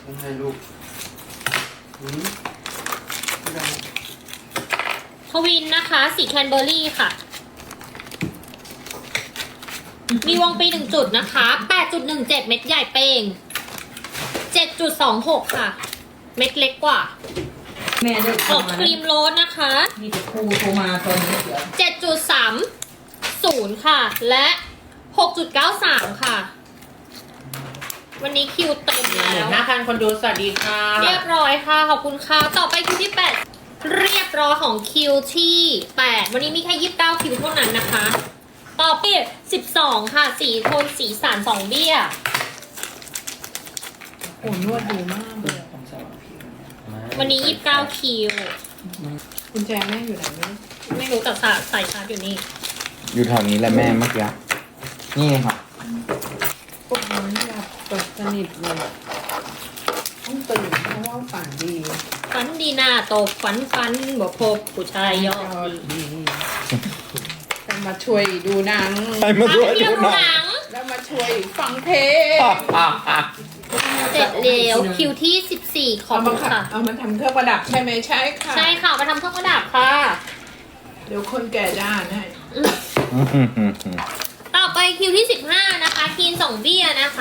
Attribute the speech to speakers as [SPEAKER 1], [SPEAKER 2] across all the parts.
[SPEAKER 1] ไม่ให้ลูกไม่ได้
[SPEAKER 2] ทวินนะคะสีแคนเบอร์รี่ค่ะ มีวงปี1จุดนะคะ 8.17 เม็ดใหญ่เป้ง 7.26 ค่ะ เม็ดเล็กกว่า
[SPEAKER 3] แม่เลิก
[SPEAKER 2] ออก
[SPEAKER 3] ทำมา
[SPEAKER 2] ครีมโรสนะคะ
[SPEAKER 3] มีแต่ครูโทรมาตอนนี้เดี๋ยว
[SPEAKER 2] 7.30 ค่ะ และ 6.93 ค่ะ วันนี้คิวเต็มแล้ว
[SPEAKER 4] 15,000 คนดูสวัสดีค่ะ
[SPEAKER 2] เรียบร้อยค่ะ ขอบคุณค่ะ ต่อไปคิวที่ 8 เรียบร้อยของคิวที่ 8 วันนี้มีแค่ 29 คิวเท่านั้นนะคะ ต่อไป12 ค่ะ สีโทนสีสัน2เบี้ย
[SPEAKER 3] โอ้นวดดีมากเลย
[SPEAKER 1] ของสว่างผิว
[SPEAKER 2] วันนี้ 29 คิว
[SPEAKER 3] คุณแจแม่อยู่ไหนไม่รู้
[SPEAKER 2] ไม่รู้แต่ใส่ชาร์จอยู่นี่
[SPEAKER 5] อยู่แถวนี้แหละแม่เมื่อกี้นี่ค่ะ
[SPEAKER 3] พวกน้องหลับตกสนิทเลยต้องตื่นเพราะว่าฝันดี
[SPEAKER 2] ฝันดีหน้าตกฝันบอกพบผู้ชายยอดดี
[SPEAKER 3] ดีจะมาช่วยดูหนัง
[SPEAKER 5] ใครมาด้วย
[SPEAKER 2] เที่
[SPEAKER 5] ดู
[SPEAKER 2] ยว
[SPEAKER 5] หนั
[SPEAKER 2] หนั
[SPEAKER 5] ง
[SPEAKER 2] ง
[SPEAKER 3] แล้วมาช่วยฟังเพลง
[SPEAKER 2] เสร็จแล้วคิวที่ 14 ขอบ
[SPEAKER 3] เอา
[SPEAKER 2] คุ
[SPEAKER 3] มา
[SPEAKER 2] ณค่ะ
[SPEAKER 3] เอามาทำเครื่องประดับใช่ไหมใช่ค่ะ
[SPEAKER 2] ใช่ค่ะมาทำเครื่องประดับค่ะ
[SPEAKER 3] เดี๋ยวคนแก่ด้านให้
[SPEAKER 2] ต่อไปคิวที่ 15 นะคะคีน2เบี้ยนะคะ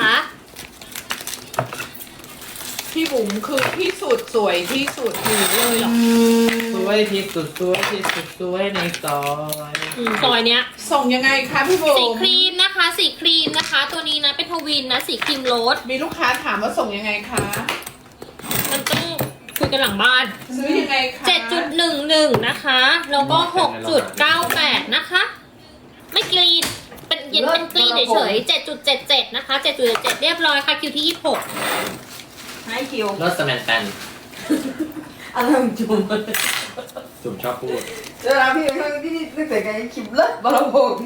[SPEAKER 3] พี่บุ๋มคือที่สุดสวยที่สุดอยู่เลยเหรอ
[SPEAKER 4] สวยที่สุดสวยที่สุดสวยในซอย
[SPEAKER 2] ซอยเนี้ย
[SPEAKER 3] ส่งยังไงคะพี่บุ๋
[SPEAKER 2] สี
[SPEAKER 3] ม
[SPEAKER 2] ครีมนะคะ สีครีมนะคะ ตัวนี้นะเป็นทวินนะ สีครีมโรส
[SPEAKER 3] มีลูกค้าถามว่าส่งยังไงคะ
[SPEAKER 2] มันต้องคุยกันหลังบ้าน
[SPEAKER 3] ซื้อยังไงคะ
[SPEAKER 2] 7.11 นะคะ แล้วก็ 6.98 นะคะ ไม่กรีดเป็นเย็นเป็นกรีดเฉยๆ 7.77 นะคะ 7.77 เรียบร้อยค่ะคิวที่ 26
[SPEAKER 3] ให้คิว
[SPEAKER 4] รถสแมนแตน
[SPEAKER 3] อะไรของจุ๋ม
[SPEAKER 4] จุ่มชอบพูด
[SPEAKER 6] เวลาพี่เพิ่งที่นึกแต่ไงคลิปเลิศบอลพง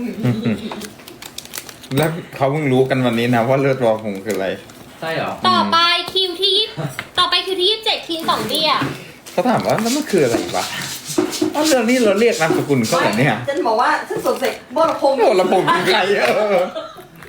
[SPEAKER 5] แล้วเขาเพิ่งรู้กันวันนี้นะว่าเลือดรอผมคืออะไร
[SPEAKER 4] ใช่เหรอ
[SPEAKER 2] ต่อไปคิวที่27คีน2เบี้ย
[SPEAKER 5] เขาถามว่าแล้วมันคืออะไรวะเอาเรื่องนี้เราเรียกนามสกุลเขาเหรอเนี่ย
[SPEAKER 6] ฉันบอกว่าฉันสงสัยบอลพง
[SPEAKER 5] โอ้ละผมเป็นใคร